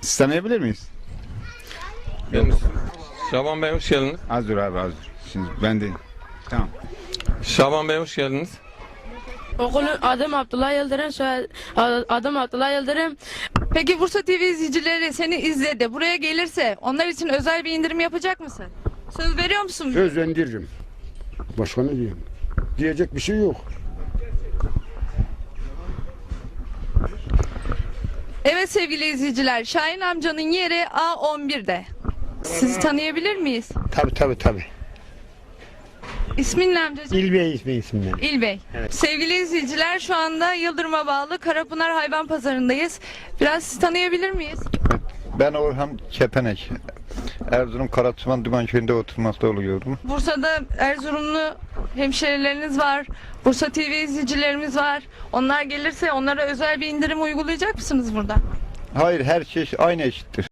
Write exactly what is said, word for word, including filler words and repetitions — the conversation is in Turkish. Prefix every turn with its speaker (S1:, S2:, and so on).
S1: Siz tanıyabilir miyiz?
S2: Ben Şaban Bey hoş geldiniz.
S1: Az dur abi az dur. Şimdi ben de. Tamam.
S2: Şaban Bey hoş geldiniz.
S3: Okulun adım Abdullah Yıldırım, soyad- adım Abdullah Yıldırım.
S4: Peki Bursa T V izleyicileri seni izledi. Buraya gelirse onlar için özel bir indirim yapacak mısın? Söz veriyor musun?
S5: Sözlendiririm. Başka ne diyeyim? Diyecek bir şey yok.
S4: Evet sevgili izleyiciler, Şahin amcanın yeri A on bir'de. Sizi tanıyabilir miyiz?
S6: Tabii tabii tabii.
S4: İsmin ne amcacığım?
S6: İlbey ismi isimden.
S4: İlbey. Sevgili izleyiciler, şu anda Yıldırım'a bağlı Karapınar Hayvan Pazarı'ndayız. Biraz sizi tanıyabilir miyiz?
S7: Ben Orhan Kepenek. Erzurum Karaçıman Dümenköy'ünde oturmakta oluyorum.
S4: Bursa'da Erzurumlu hemşerileriniz var. Bursa T V izleyicilerimiz var. Onlar gelirse onlara özel bir indirim uygulayacak mısınız burada?
S7: Hayır, her şey aynı eşittir.